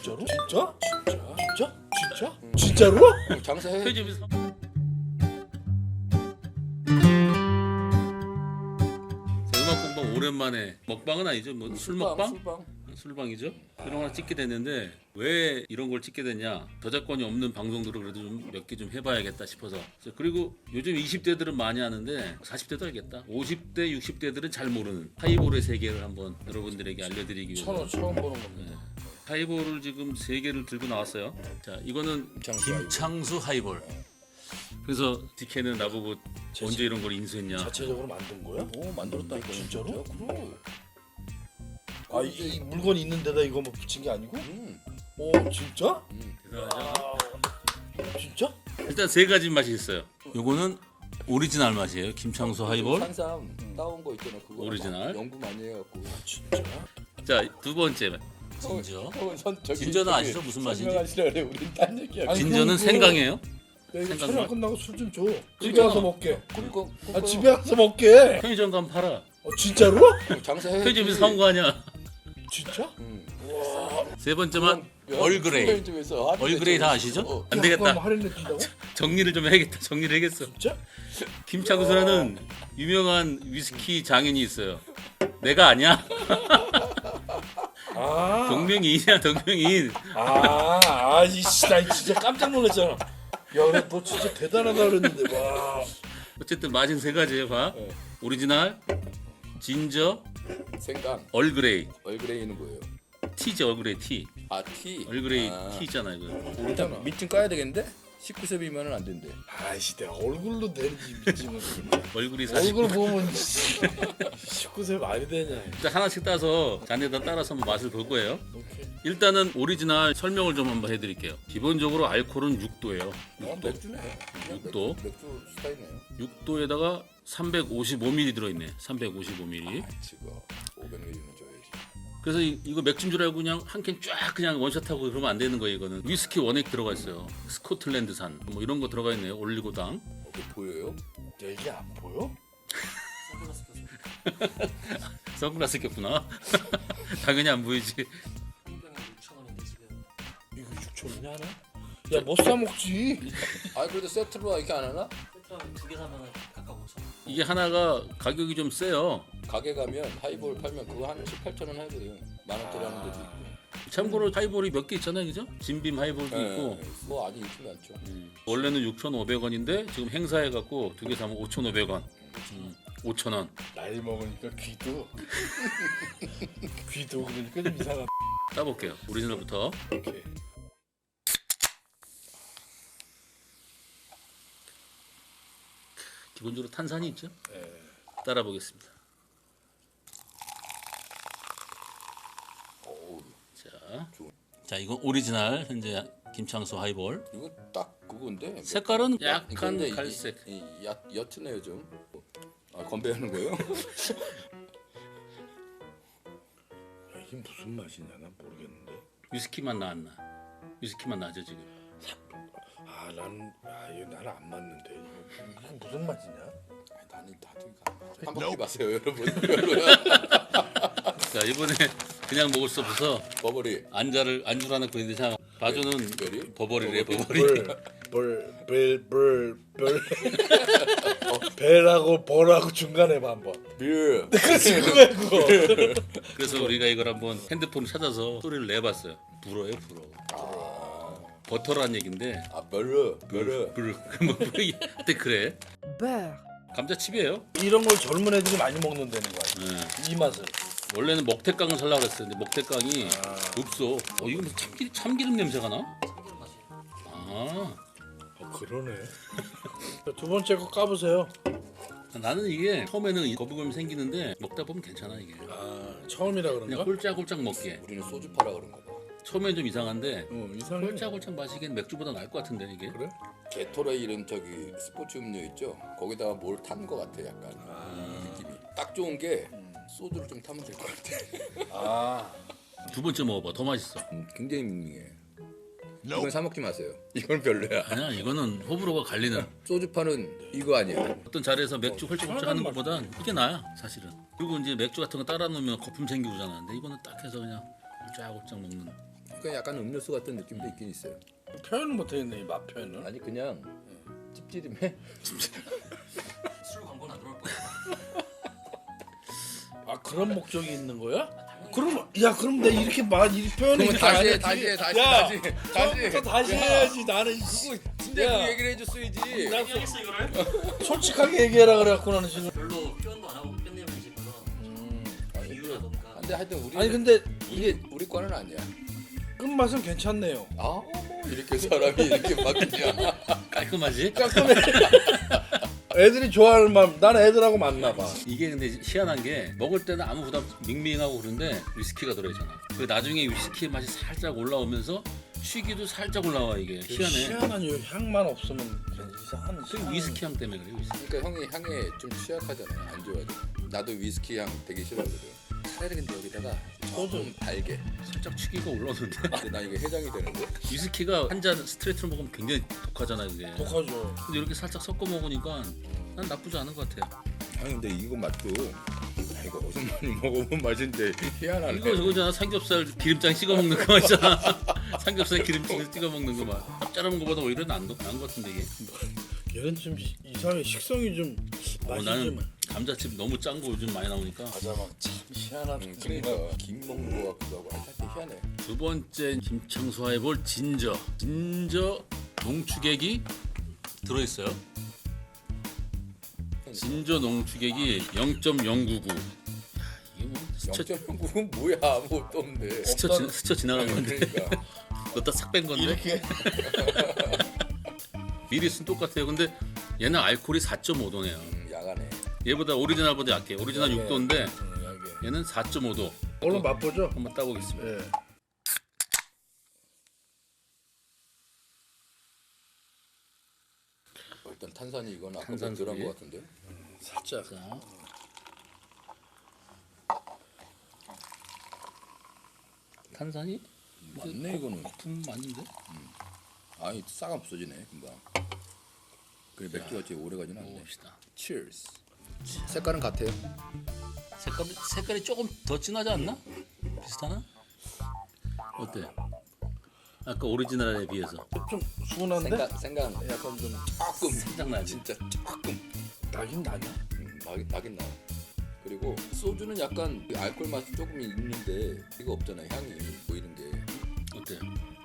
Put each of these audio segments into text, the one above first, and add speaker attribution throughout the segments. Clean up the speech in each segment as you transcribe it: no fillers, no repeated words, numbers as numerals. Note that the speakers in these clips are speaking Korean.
Speaker 1: 진짜로? 진짜? 진짜로?
Speaker 2: 장사해.
Speaker 3: 음악 공방 오랜만에 먹방은 아니죠. 뭐 술 먹방?
Speaker 2: 술방.
Speaker 3: 술방이죠. 이런 거 하나 찍게 됐는데 왜 이런 걸 찍게 됐냐? 저작권이 없는 방송들을 그래도 좀 몇 개 좀 해봐야겠다 싶어서. 그리고 요즘 20대들은 많이 하는데 40대도 알겠다. 50대, 60대들은 잘 모르는 하이볼의 세계를 한번 여러분들에게 알려드리기 위해서.
Speaker 1: 처음 보는 겁니다.
Speaker 3: 하이볼을 지금 3개를 들고 나왔어요. 자, 이거는 김창수 하이볼. 그래서 디케는 나보고 언제 이런 걸 인수했냐?
Speaker 1: 자체적으로 만든 거야?
Speaker 2: 오 만들었다 이거.
Speaker 1: 진짜로?
Speaker 2: 그럼.
Speaker 1: 아, 이 물건 있는 데다 이거 뭐 붙인 게 아니고? 오, 진짜?
Speaker 3: 대단하죠?
Speaker 1: 진짜?
Speaker 3: 일단 3가지 맛이 있어요. 요거는 오리지널 맛이에요. 김창수 하이볼.
Speaker 2: 산삼 따온 거 있잖아. 그거
Speaker 3: 오리지널.
Speaker 2: 연구 많이 해갖고.
Speaker 1: 진짜?
Speaker 3: 자, 2번째 진저. 진저는 아시죠? 무슨 맛인지?
Speaker 2: 설명하시라 그래. 우린 딴 얘기야.
Speaker 1: 아니,
Speaker 3: 진저는
Speaker 1: 그거-
Speaker 3: 생강이에요.
Speaker 1: 야, 이거
Speaker 3: 생각나?
Speaker 1: 촬영 끝나고 술 좀 줘. 집에
Speaker 3: 있잖아.
Speaker 1: 가서 먹게.
Speaker 2: 그거
Speaker 1: 아, 집에 가서 먹게.
Speaker 3: 편의점 가면 팔아.
Speaker 1: 진짜로?
Speaker 2: 장사해.
Speaker 3: 편의점에서 사온 거 아니야.
Speaker 1: 진짜?
Speaker 3: 3번째 맛 얼그레이. 얼그레이 다 아시죠? 안 되겠다.
Speaker 1: 할인해 준다고?
Speaker 3: 정리를 좀 해야겠다. 정리를 해야겠어.
Speaker 1: 진짜?
Speaker 3: 김창수라는 유명한 위스키 장인이 있어요. 내가 아니야.
Speaker 1: 아,
Speaker 3: 동명이인이야, 동명이인.
Speaker 1: 이씨, 나 진짜 깜짝 놀랐잖아. 야, 그래, 너 진짜 대단하다 그랬는데, 와.
Speaker 3: 어쨌든 맛은 3가지예요. 봐. 오리지널, 진저,
Speaker 2: 생강.
Speaker 3: 얼그레이.
Speaker 2: 얼그레이는 뭐예요?
Speaker 3: 티죠, 얼그레이 티.
Speaker 2: 아 티.
Speaker 3: 얼그레이 티 있잖아 이거.
Speaker 2: 일단 밑좀 까야 되겠는데? 19세 미만은 안 된대.
Speaker 1: 아이씨, 내가 얼굴로 내리지 미치면.
Speaker 3: 얼굴이 40.
Speaker 1: 얼굴 보면 19세 말이 되냐.
Speaker 3: 일단 하나씩 따서 잔에다 따라서 한번 맛을 볼 거예요.
Speaker 1: 오케이.
Speaker 3: 일단은 오리지널 설명을 좀 한번 해드릴게요. 기본적으로 알코올은 6도예요.
Speaker 2: 맥주네. 그냥
Speaker 3: 육도.
Speaker 2: 맥주 스타일이네요.
Speaker 3: 6도에다가 355ml 들어있네. 355ml.
Speaker 2: 지금 500ml는 줘야지.
Speaker 3: 그래서 이거 맥주인 줄 알고 그냥 한 캔 쫙 그냥 원샷하고 그러면 안 되는 거예요. 이거는 위스키 원액 들어가 있어요. 스코틀랜드산 뭐 이런 거 들어가 있네요. 올리고당.
Speaker 2: 보여요?
Speaker 1: 야, 이게 안 보여?
Speaker 3: 선글라스 꼈구나. 당연히 안 보이지.
Speaker 1: 이거 6,000원이 하나? 야, 못 사 먹지.
Speaker 2: 아 그래도 세트로 이렇게 안 하나?
Speaker 4: 두개 사면 각각 5천 원.
Speaker 3: 이게 하나가 가격이 좀 세요.
Speaker 2: 가게 가면 하이볼 팔면 그거 한 7, 8천 원 하거든. 만 원짜리 하는 데도 있고.
Speaker 3: 참고로 하이볼이 몇 개 있잖아요, 그죠? 진빔 하이볼도 있고.
Speaker 2: 뭐 아주 있지 않죠.
Speaker 3: 원래는 6,500원인데 지금 행사해갖고 2개 사면 5,500원. 5,000원.
Speaker 1: 나이 먹으니까 귀도 그러니까 좀 이상하다.
Speaker 3: 따볼게요. 오리지널부터.
Speaker 1: 오케이.
Speaker 3: 기본적으로 탄산이 있죠?
Speaker 1: 네.
Speaker 3: 따라 보겠습니다. 자, 이건 오리지널 현재 김창수 하이볼.
Speaker 2: 이거 딱 그건데.
Speaker 3: 색깔은 약간
Speaker 2: 근데 이게
Speaker 3: 갈색.
Speaker 2: 옅으네요 좀. 아 건배하는 거예요?
Speaker 1: 야, 이게 무슨 맛이냐 난 모르겠는데.
Speaker 3: 위스키 맛 나 안 나? 위스키 맛 나죠 지금?
Speaker 1: 이거 나는 안 맞는데. 이거 무슨 맛이냐?
Speaker 2: 나는 다들 한 바퀴 마세요 여러분. 별로야.
Speaker 3: 자, 이번에 그냥 먹을 수 없어서
Speaker 2: 버버리.
Speaker 3: 안주를 하나 그랬는데 자, 바주는
Speaker 2: 별이?
Speaker 3: 버버리래. 버버리.
Speaker 1: 배라고 벌하고 중간에 봐 한번.
Speaker 2: 뷰.
Speaker 1: 그렇지 그거야 그거.
Speaker 3: 그래서 우리가 이걸 한번 핸드폰을 찾아서 소리를 내봤어요. 불어요, 불어. 버터란 얘긴데.
Speaker 2: 아 별로. 별로.
Speaker 3: 불. 뭐 하여튼 그래. 감자칩이에요.
Speaker 1: 이런 걸 젊은 애들이 많이 먹는다는 거야.
Speaker 3: 네.
Speaker 1: 이 맛을.
Speaker 3: 원래는 먹태깡을 살려고 그랬어요. 근데 먹태깡이 없어. 이거 무슨 참기름 냄새가 나?
Speaker 4: 참기름 맛이에요.
Speaker 1: 그러네. 두 번째 거 까보세요.
Speaker 3: 나는 이게 처음에는 거부감이 생기는데 먹다 보면 괜찮아 이게.
Speaker 1: 처음이라
Speaker 3: 그냥
Speaker 1: 그런가?
Speaker 3: 홀짝홀짝 먹게.
Speaker 2: 우리는 소주 팔아 그런가 봐.
Speaker 3: 처음엔 좀 이상한데
Speaker 1: 이상해.
Speaker 3: 홀짝홀짝 마시기엔 맥주보다 나을 것 같은데 이게.
Speaker 1: 그래?
Speaker 2: 게토레일은 저기 스포츠 음료 있죠? 거기다가 뭘 탄 거 같아 약간 느낌이. 딱 좋은 게 소주를 좀 타면 될 것 같아.
Speaker 3: 두 번째 먹어봐. 더 맛있어.
Speaker 2: 굉장히 밍밍해. 이건 사 먹지 마세요. 이건 별로야.
Speaker 3: 아니야, 이거는 호불호가 갈리는.
Speaker 2: 소주파는 이거 아니야.
Speaker 3: 어떤 자리에서 맥주 홀짝홀짝 하는 것보단 이게 나야 사실은. 그리고 이제 맥주 같은 거 따라 놓으면 거품 생기고 그러잖아. 근데 이거는 딱 해서 그냥 홀짝홀짝 먹는.
Speaker 2: 그러니까 약간 음료수 같은 느낌도 있긴 있어요.
Speaker 1: 표현은 못하겠네 이 맛 표현을.
Speaker 2: 아니 그냥 찝찝해.
Speaker 4: 술 광고는 안 들어올 거야.
Speaker 1: 아 그런 목적이 있는 거야? 그럼 그럼 내가 이렇게 이 표현을
Speaker 2: 그러면
Speaker 1: 이렇게 안
Speaker 2: 다시 해,
Speaker 1: 했지.
Speaker 2: 다시 해, 다시,
Speaker 1: 야,
Speaker 2: 다시, 다시.
Speaker 1: 처음부터 다시
Speaker 2: 야.
Speaker 1: 해야지 나는.
Speaker 2: 그거 진짜
Speaker 1: 야.
Speaker 2: 그 얘기를 해줬어야지.
Speaker 1: 나
Speaker 4: 얘기하겠어 이거를?
Speaker 1: 솔직하게 얘기해라 그래갖고 나는 지금.
Speaker 4: 별로 표현도 안 하고 끝내면 싶어서
Speaker 2: 아니,
Speaker 4: 비유라던가.
Speaker 2: 근데 하여튼 우리
Speaker 1: 아니 근데
Speaker 2: 이게 우리 과는 아니야.
Speaker 1: 끝맛은 괜찮네요.
Speaker 2: 뭐 이렇게 사람이 이렇게 바뀌냐.
Speaker 3: 깔끔하지?
Speaker 1: 깔끔해. 애들이 좋아할 만, 난 애들하고 맞나 봐.
Speaker 3: 이게 근데 희한한 게 먹을 때는 아무 부담 밍밍하고 그런데 위스키가 들어있잖아. 그 나중에 위스키 맛이 살짝 올라오면서 취기도 살짝 올라와 이게 희한해.
Speaker 1: 희한한 요 향만 없으면 이상한.
Speaker 3: 그 위스키 향 때문에 그래 위스키.
Speaker 2: 그러니까 형이 향에 좀 취약하잖아요. 안 좋아하죠. 나도 위스키 향 되게 싫어하거든. 차라리 근데 여기다가 좀 달게.
Speaker 3: 살짝 취기가 올라오는데
Speaker 2: 근데 나 이거 해장이 되는데.
Speaker 3: 위스키가 한 잔 스트레이트로 먹으면 굉장히 독하잖아요 그게.
Speaker 1: 독하죠.
Speaker 3: 근데 이렇게 살짝 섞어 먹으니까 난 나쁘지 않은 것 같아요.
Speaker 2: 아니 근데 이거 맛도 이거 어디서 많이 먹어본 맛인데 희한하네.
Speaker 3: 이거 저거잖아 삼겹살 기름장 찍어 먹는 거 맛이잖아. 삼겹살 기름장 찍어 먹는 거 맛. 짭짤한 거보다 오히려 나은 것 같은데 이게.
Speaker 1: 얘는 좀 이상해. 식성이 좀 맛이
Speaker 3: 나는
Speaker 1: 좀.
Speaker 3: 감자칩 너무 짠 거 요즘 많이 나오니까.
Speaker 1: 맞아 막참 희한한.
Speaker 2: 그러니까 김 먹는 거 같기도 하고 하여튼 희한해.
Speaker 3: 두 번째 김창수와 해볼 진저 농축액이 들어있어요. 진저 농축액이 0.099. 이게 뭐 스쳐
Speaker 2: 0.9은 뭐야 아무것도 없는데.
Speaker 3: 스쳐 지나간 건데.
Speaker 2: 그러니까
Speaker 3: 그것도 싹 뺀 건데.
Speaker 1: 이렇게.
Speaker 3: 미리는 똑같아요. 근데 얘는 알코올이 4.5도네요.
Speaker 2: 야간에.
Speaker 3: 얘보다 오리지널보다 약해. 오리지널 6도인데
Speaker 1: 약에.
Speaker 3: 얘는 4.5도.
Speaker 1: 얼른 맛보죠.
Speaker 3: 한번 따보겠습니다.
Speaker 1: 예.
Speaker 2: 일단 탄산이 이건 아까
Speaker 3: 탄산
Speaker 2: 들어간
Speaker 3: 소리.
Speaker 2: 것 같은데.
Speaker 1: 살짝.
Speaker 3: 자, 탄산이
Speaker 2: 맞네 이거는.
Speaker 3: 거품 아닌데?
Speaker 2: 아니 싹 없어지네 금방. 그래 맥주가 제일 오래 가지는 않네.
Speaker 3: 먹어봅시다.
Speaker 2: Cheers. 색깔은 같아요.
Speaker 3: 색깔이 조금 더 진하지 않나? 비슷하나? 어때? 아까 오리지널에 비해서
Speaker 1: 좀 순한데?
Speaker 2: 생각
Speaker 1: 약간 좀
Speaker 2: 조금
Speaker 3: 살짝 나지.
Speaker 2: 진짜 조금
Speaker 1: 나긴 나냐?
Speaker 2: 나긴 나. 그리고 소주는 약간 그 알코올 맛이 조금 있는데 이거 없잖아 향이 뭐 이런 게.
Speaker 3: 어때요?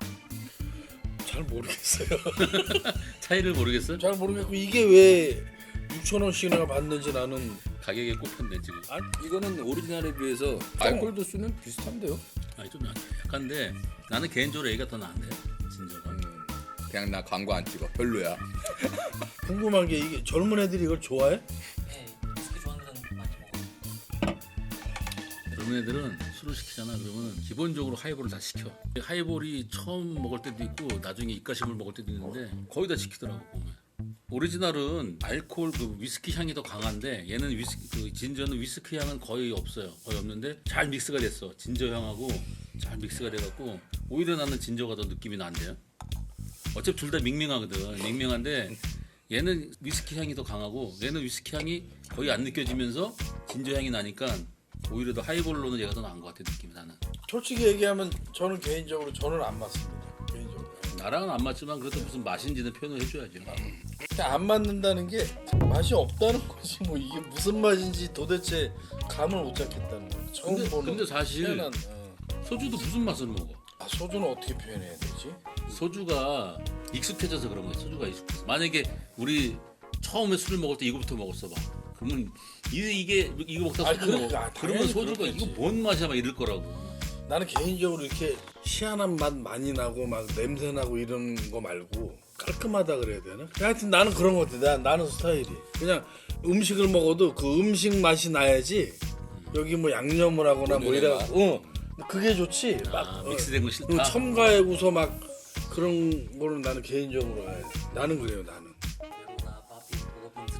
Speaker 1: 잘 모르겠어요.
Speaker 3: 차이를 모르겠어?
Speaker 1: 잘 모르겠고 이게 왜 6,000원씩이나 받는지 나는.
Speaker 3: 가격에 꼽혔네 지금.
Speaker 2: 이거는 오리지널에 비해서 알코올 도수는 비슷한데요.
Speaker 3: 아니 좀 약한데 나는 개인적으로 얘가 더 나은데 진저가.
Speaker 2: 그냥 나 광고 안 찍어 별로야.
Speaker 1: 궁금한 게 이게 젊은 애들이 이걸 좋아해?
Speaker 4: 네, 위스키 좋아하는 애들은 많이 먹어.
Speaker 3: 젊은 애들은 술을 시키잖아. 그러면 기본적으로 하이볼을 다 시켜. 하이볼이 처음 먹을 때도 있고 나중에 입가심을 먹을 때도 있는데 거의 다 시키더라고 보면. 오리지널은 알코올 그 위스키 향이 더 강한데 얘는 그 진저는 위스키 향은 거의 없어요. 거의 없는데 잘 믹스가 됐어. 진저 향하고 잘 믹스가 돼갖고 오히려 나는 진저가 더 느낌이 난대요. 어차피 둘 다 밍밍하거든. 밍밍한데 얘는 위스키 향이 더 강하고 얘는 위스키 향이 거의 안 느껴지면서 진저 향이 나니까 오히려 더 하이볼로는 얘가 더 나은 것 같아 느낌이 나는.
Speaker 1: 솔직히 얘기하면 저는 개인적으로 저는 안 맞습니다. 개인적으로.
Speaker 3: 나랑은 안 맞지만 그래도 무슨 맛인지는 표현을 해줘야죠.
Speaker 1: 그냥 안 맞는다는 게 맛이 없다는 거지 뭐 이게 무슨 맛인지 도대체 감을 못 잡겠다는 거야. 처음 보는.
Speaker 3: 근데 사실
Speaker 1: 희한한,
Speaker 3: 소주도 무슨 맛을 먹어?
Speaker 1: 소주는 어떻게 표현해야 되지?
Speaker 3: 소주가 익숙해져서 그런 거야. 소주가 익숙해서. 만약에 우리 처음에 술을 먹을 때 이거부터 먹었어 봐. 그러면 이거 먹다
Speaker 1: 아니,
Speaker 3: 소주 먹어.
Speaker 1: 당연히
Speaker 3: 그러면 소주가
Speaker 1: 그렇겠지.
Speaker 3: 이거 뭔 맛이야 막 이럴 거라고.
Speaker 1: 나는 개인적으로 이렇게 희한한 맛 많이 나고 막 냄새 나고 이런 거 말고 깔끔하다 그래야 되나? 하여튼 나는 그런 거 같아. 나는 스타일이 그냥 음식을 먹어도 그 음식 맛이 나야지. 여기 뭐 양념을 하거나 뭐 이래. 그게 좋지. 막
Speaker 3: 믹스된 거 싫다.
Speaker 1: 첨가해고서 막 그런 거는 나는 개인적으로 해. 나는 그래요. 나는.
Speaker 4: 메로나, 바비, 로빈스.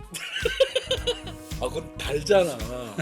Speaker 1: 아 그건 달잖아.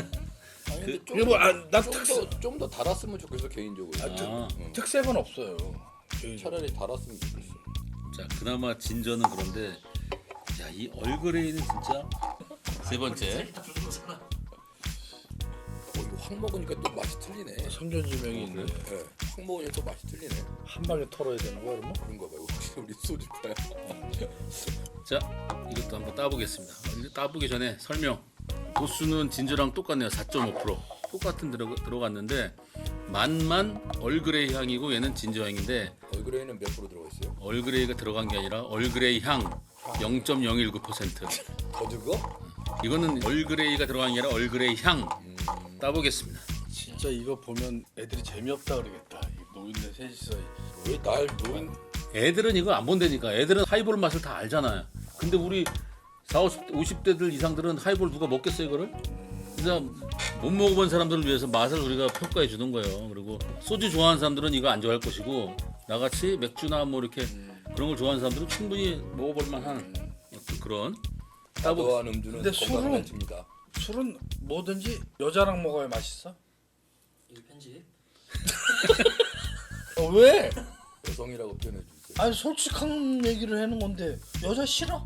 Speaker 1: 이게 뭐 나
Speaker 2: 좀 더 달았으면 좋겠어 개인적으로.
Speaker 1: 특색은 없어요.
Speaker 2: 차라리 달았으면 좋겠어.
Speaker 3: 자, 그나마 진저는 그런데 야, 이 얼그레이는 진짜 세 번째.
Speaker 4: 다 부르잖아.
Speaker 2: 이거 확 먹으니까 또 맛이 틀리네.
Speaker 1: 성견지명이 있네.
Speaker 2: 네, 확 먹으니까 또 맛이 틀리네.
Speaker 1: 한 방에 털어야 되는 거야 그러면?
Speaker 2: 그런가 봐요. 혹시 우리 소주파야.
Speaker 3: 자, 이것도 한번 따보겠습니다. 이제 따보기 전에 설명. 도수는 진저랑 똑같네요. 4.5%. 똑같은 들어갔는데 맛만 얼그레이 향이고 얘는 진저 향인데
Speaker 2: 얼그레이는 몇 프로 들어가 있어요?
Speaker 3: 얼그레이가 들어간 게 아니라 얼그레이 향 0.019%.
Speaker 2: 더 적어?
Speaker 3: 이거는 얼그레이가 들어간 게 아니라 얼그레이 향. 따보겠습니다.
Speaker 1: 진짜 이거 보면 애들이 재미없다 그러겠다. 이 노인네 셋이서
Speaker 2: 왜 날 노인
Speaker 3: 애들은 이거 안 본다니까. 애들은 하이볼 맛을 다 알잖아요. 근데 우리 40, 50대들 이상들은 하이볼 누가 먹겠어요 이거를? 그래서 못 먹어본 사람들을 위해서 맛을 우리가 평가해 주는 거예요. 그리고 소주 좋아하는 사람들은 이거 안 좋아할 것이고 나같이 맥주나 뭐 이렇게 그런 걸 좋아하는 사람들은 충분히 먹어볼 만한 어떤 그런
Speaker 2: 따보한 음주는
Speaker 1: 근데
Speaker 2: 건강한
Speaker 1: 술은-
Speaker 2: 집니다.
Speaker 1: 술은 뭐든지 여자랑 먹어야 맛있어?
Speaker 4: 이 편집.
Speaker 1: 왜?
Speaker 2: 여성이라고 표현해 주세요.
Speaker 1: 아니 솔직한 얘기를 하는 건데 여자 싫어?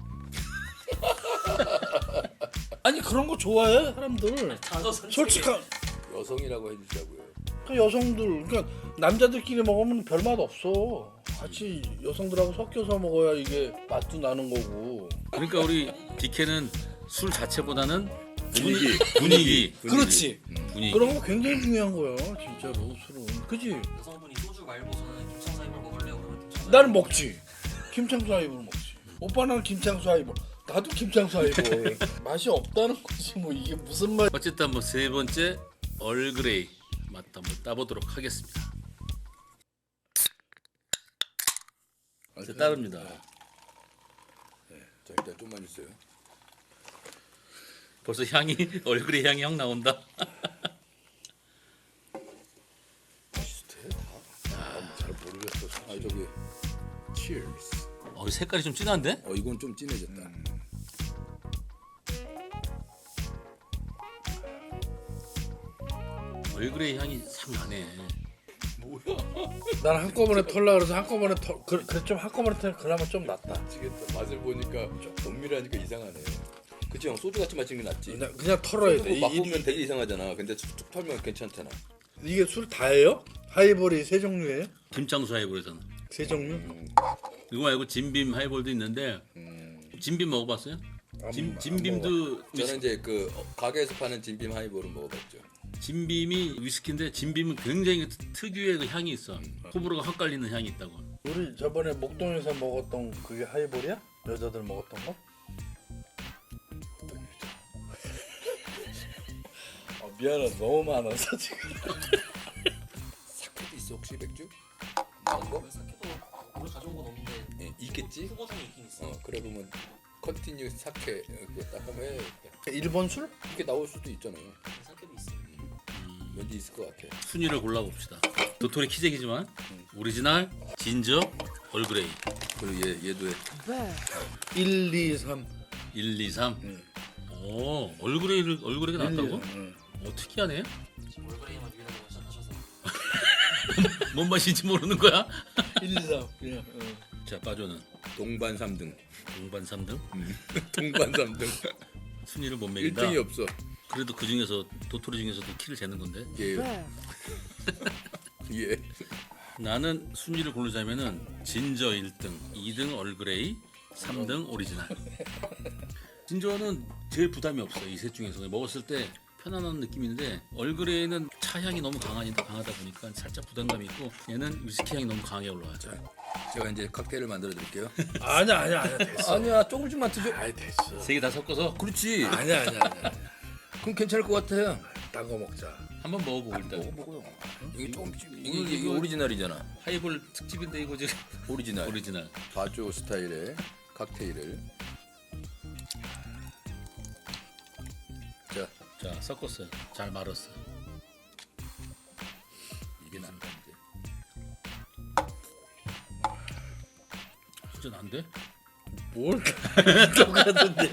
Speaker 1: 아니 그런 거 좋아해 사람들.
Speaker 4: 단어 선택.
Speaker 1: 솔직한
Speaker 2: 여성이라고 해주시라고요.
Speaker 1: 그 여성들 그러니까 남자들끼리 먹으면 별 맛 없어. 같이 여성들하고 섞여서 먹어야 이게 맛도 나는 거고.
Speaker 3: 그러니까 우리 디케는 술 자체보다는 분위기.
Speaker 1: 그렇지.
Speaker 3: 분위기.
Speaker 1: 그런 거 굉장히 중요한 거야 진짜로 술은. 그지?
Speaker 4: 여성분이 소주 말고 저는 김창사 입을 먹을래요 그러면 김창사.
Speaker 1: 나는 먹지. 김창수 하이볼 먹지. 오빠 나는 김창수 하이볼. 나도 김창수 하이볼. 맛이 없다는 거지 뭐 이게 무슨 맛?
Speaker 3: 어쨌든 뭐 세 번째 얼그레이 맛 한번 따보도록 하겠습니다. 이제 따릅니다.
Speaker 2: 자 일단 좀만 주세요.
Speaker 3: 벌써 향이 얼그레이 향이 확 나온다.
Speaker 2: 비슷해 다.
Speaker 1: 잘 모르겠어.
Speaker 2: 아 저기 Cheers.
Speaker 3: 색깔이 좀 진한데?
Speaker 2: 이건 좀 진해졌다.
Speaker 3: 얼그레이 향이 참 나네.
Speaker 1: 난 한꺼번에 털라 그래서 한꺼번에 그래 좀 한꺼번에 털 그나마 좀 낫다.
Speaker 2: 미치겠다. 맛을 보니까 좀 은밀하니까 이상하네. 그치 형 소주 같이 마시는 게 낫지.
Speaker 1: 그냥 털어야 돼.
Speaker 2: 맛보면 되게 이상하잖아. 근데 툭툭 털면 괜찮잖아.
Speaker 1: 이게 술 다예요? 하이볼이 세 종류예요?
Speaker 3: 김창수 하이볼에서는.
Speaker 1: 세 종류?
Speaker 3: 이거 말고 진빔 하이볼도 있는데 진빔 먹어봤어요? 진빔도
Speaker 2: 저는 이제 그 가게에서 파는 진빔 하이볼은 먹어봤죠.
Speaker 3: 진빔이 위스키인데 진빔은 굉장히 특유의 그 향이 있어. 호불호가 확 갈리는 향이 있다고.
Speaker 1: 우리 저번에 목동에서 먹었던 그게 하이볼이야? 여자들 먹었던 거? 미안해 너무 많아서 지금.
Speaker 2: 사케도 있어 혹시 맥주? 나온 거?
Speaker 4: 사케도 오늘 가져온 건 없는데
Speaker 2: 예, 있겠지?
Speaker 4: 후보상에 있긴 있어.
Speaker 2: 그래 보면 컨티뉴 사케 그거 딱 한번 해.
Speaker 1: 일본 술?
Speaker 2: 이렇게 나올 수도 있잖아요.
Speaker 4: 사케도 있어.
Speaker 2: 왠지 있을 것 같아.
Speaker 3: 순위를 골라봅시다. 도토리 키재기지만 오리지널, 진저, 얼그레이
Speaker 2: 그리고 얘도 해.
Speaker 1: 1, 2, 3.
Speaker 3: 1, 2, 3. 오, 얼그레이가 나왔다고? 특이하네.
Speaker 4: 지금 얼그레이만 유일하게 시작하셔서.
Speaker 3: 뭔 맛인지 모르는 거야?
Speaker 1: 1, 2, 3. 그냥.
Speaker 3: 자, 빠져는
Speaker 2: 동반 3등.
Speaker 3: 동반 3등.
Speaker 2: 동반 3등.
Speaker 3: 순위를 못 매긴다.
Speaker 2: 1등이 없어.
Speaker 3: 그래도 그 중에서 도토리 중에서도 키를 재는 건데.
Speaker 2: 예. 예.
Speaker 3: 나는 순위를 고르자면은 진저 1등, 2등 얼그레이, 3등 오리지널. 진저는 제일 부담이 없어. 이 셋 중에서 먹었을 때 편안한 느낌인데 얼그레이는 차 향이 너무 강하다 보니까 살짝 부담감이 있고 얘는 위스키 향이 너무 강하게 올라와요.
Speaker 2: 제가 이제 칵테일을 만들어 드릴게요.
Speaker 1: 아니야 됐어.
Speaker 2: 아니야 조금씩만 드죠.
Speaker 1: 아이 됐어.
Speaker 3: 세 개 다 섞어서
Speaker 2: 그렇지.
Speaker 1: 아니야.
Speaker 2: 그럼 괜찮을 것 같아.
Speaker 1: 딴 거 먹자.
Speaker 3: 한번 먹어보고 일단.
Speaker 2: 먹어요. 이게 조금씩 이게 오리지널이잖아.
Speaker 3: 하이볼 특집인데 이거 지금
Speaker 2: 오리지널.
Speaker 3: 오리지널.
Speaker 2: 바조 스타일의 칵테일을.
Speaker 3: 자 섞었어요. 잘 말았어.
Speaker 2: 이게 난다 이제.
Speaker 3: 진짜 난데?
Speaker 1: 뭘 똑같은데.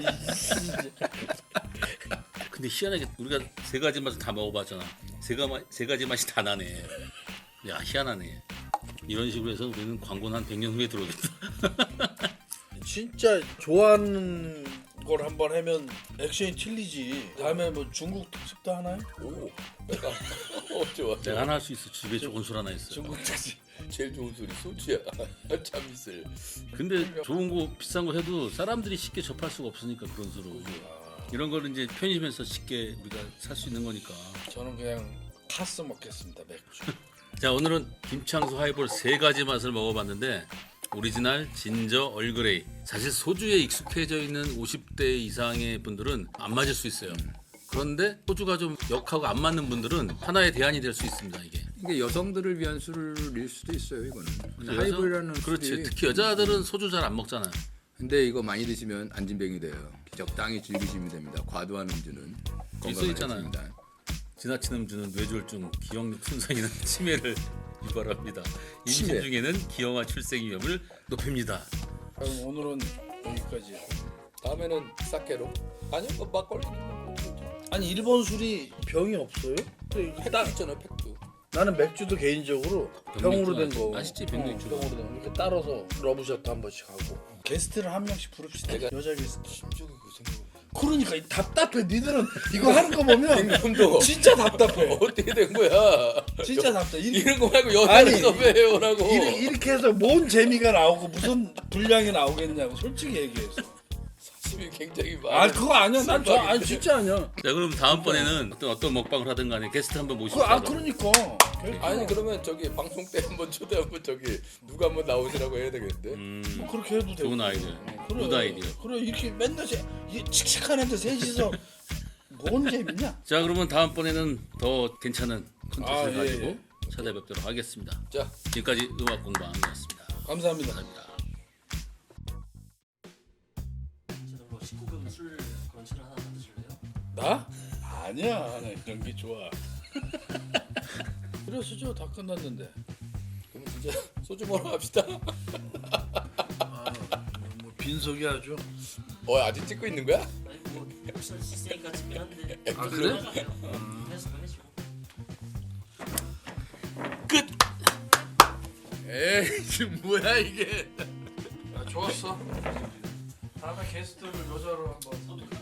Speaker 3: 근데 희한하게 우리가 세 가지 맛을 다 먹어봤잖아. 세 가지 맛이 다 나네. 야 희한하네. 이런 식으로 해서 우리는 광고는 한 100년 후에 들어오겠다.
Speaker 1: 진짜 좋아하는 거 걸 한번 하면 액션이 틀리지. 다음에 뭐 중국 특집도 하나요?
Speaker 2: 오, 내가 좋아.
Speaker 3: 내가 하나 할 수 있어. 집에 좋은 술 하나 있어.
Speaker 1: 중국 특집.
Speaker 2: 제일 좋은 소리 소주야. 참이슬.
Speaker 3: 근데 좋은 거 비싼 거 해도 사람들이 쉽게 접할 수가 없으니까 그런 술을. 이런 거는 이제 편의점에서 쉽게 우리가 살 수 있는 거니까.
Speaker 1: 저는 그냥 카스 먹겠습니다. 맥주.
Speaker 3: 자, 오늘은 김창수 하이볼 세 가지 맛을 먹어봤는데 오리지널, 진저, 얼그레이. 사실 소주에 익숙해져 있는 50대 이상의 분들은 안 맞을 수 있어요. 그런데 소주가 좀 역하고 안 맞는 분들은 하나의 대안이 될 수 있습니다. 이게.
Speaker 2: 이게 여성들을 위한 술일 수도 있어요, 이거는. 근데
Speaker 3: 여성-
Speaker 2: 하이볼이라는
Speaker 3: 그렇지.
Speaker 2: 술이
Speaker 3: 특히 여자들은 소주 잘 안 먹잖아요.
Speaker 2: 근데 이거 많이 드시면 안진뱅이 돼요. 적당히 즐기시면 됩니다. 과도한 음주는 건강에
Speaker 3: 있잖아요.
Speaker 2: 해롭습니다.
Speaker 3: 지나친 음주는 뇌졸중, 기억력 손상이나 치매를 유발합니다. 임신
Speaker 2: 치매.
Speaker 3: 중에는 기형아 출생 위험을 높입니다.
Speaker 1: 그럼 오늘은 여기까지.
Speaker 2: 다음에는 사케로. 아니면 뭐 막걸리.
Speaker 1: 아니 일본 술이 병이 없어요?
Speaker 2: 팩도 있잖아요, 팩도.
Speaker 1: 나는 맥주도 개인적으로 병으로 된 거.
Speaker 3: 맛있지, 병맥주.
Speaker 1: 병으로 된 거. 이렇게 따라서 러브샷도 한 번씩 하고. 게스트를 한 명씩 부릅시다.
Speaker 2: 내가-
Speaker 1: 여자 게스트.
Speaker 2: 심적인 그 생각.
Speaker 1: 그러니까 이 답답해. 니들은 이거 하는 거 보면
Speaker 2: 임금도
Speaker 1: 진짜 답답해.
Speaker 2: 어떻게 된 거야?
Speaker 1: 진짜 답답해.
Speaker 2: 이런 거 말고
Speaker 1: 아니,
Speaker 2: 여자를 섭외해오라고.
Speaker 1: 이렇게 해서 뭔 재미가 나오고 무슨 분량이 나오겠냐고 솔직히 얘기해서.
Speaker 2: 사심이 굉장히
Speaker 1: 아
Speaker 2: 많아.
Speaker 1: 그거 아니야. 난 저 아니 진짜 아니야.
Speaker 3: 자, 그럼 다음번에는 어떤 먹방을 하든 간에 게스트 한번 모시고
Speaker 1: 그러니까.
Speaker 2: 아니 그러면 저기 방송 때 한번 초대 한번 저기 누가 한번 나오시라고 해야 되겠는데.
Speaker 1: 뭐 그렇게 해도 돼.
Speaker 3: 좋은 아이디어. 굿 아이디어.
Speaker 1: 그래 이렇게 맨날 이 칙칙한 애들 셋이서 뭔 재밌냐?
Speaker 3: 자, 그러면 다음번에는 더 괜찮은 콘텐츠를
Speaker 1: 예,
Speaker 3: 가지고
Speaker 1: 예.
Speaker 3: 찾아뵙도록 하겠습니다.
Speaker 2: 자,
Speaker 3: 지금까지 음악 공방이었습니다.
Speaker 1: 감사합니다.
Speaker 3: 감사합니다.
Speaker 4: 저도 19금 술 그런 차를 하나 만드실래요?
Speaker 1: 나? 아니야. 나 이런 게 좋아. 그래서 저다 끝났는데.
Speaker 2: 그럼 진짜 소주 먹으러 갑시다.
Speaker 1: 뭐 빈속이 아주.
Speaker 2: 아직 찍고 있는 거야?
Speaker 4: 아니 뭐 혹시나 있으니까 찍긴 한데
Speaker 1: 아 그래?
Speaker 4: 해서 해주고
Speaker 2: 에이 지금 뭐야 이게?
Speaker 1: 아 좋았어. 다음에 게스트를 여자로 한번.